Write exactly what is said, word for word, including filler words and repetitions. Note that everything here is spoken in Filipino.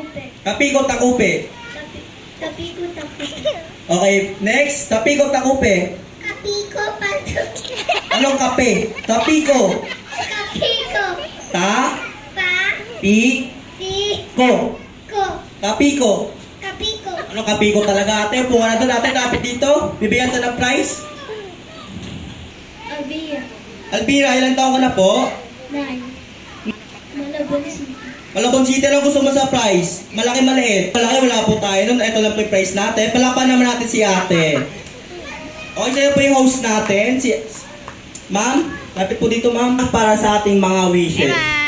takupe. Kapiko, takupe. Tapi, tapiko, takupe. Okay, next. Tapiko, takupe. Kapiko, patuki. Anong kape? Tapiko. Kapiko. Ta. Pa. Pi. Ti. Ko. Ko. Kapiko. Kapiko. Anong kapiko talaga ate? Punga na doon ate, kapit dito. Bibigyan sa ng prize. Abia. Alvira, ilang taon ka na po? Nine. Malabon City. Malabon City, ano gusto mo sa prize? Malaki, maliit. Malaki, wala po tayo nun. Ito lang po yung prize natin. Palapan naman natin si ate. Okay, sa'yo po yung host natin. Si... Ma'am, lapit po dito ma'am. Para sa ating mga wishes. Bye-bye.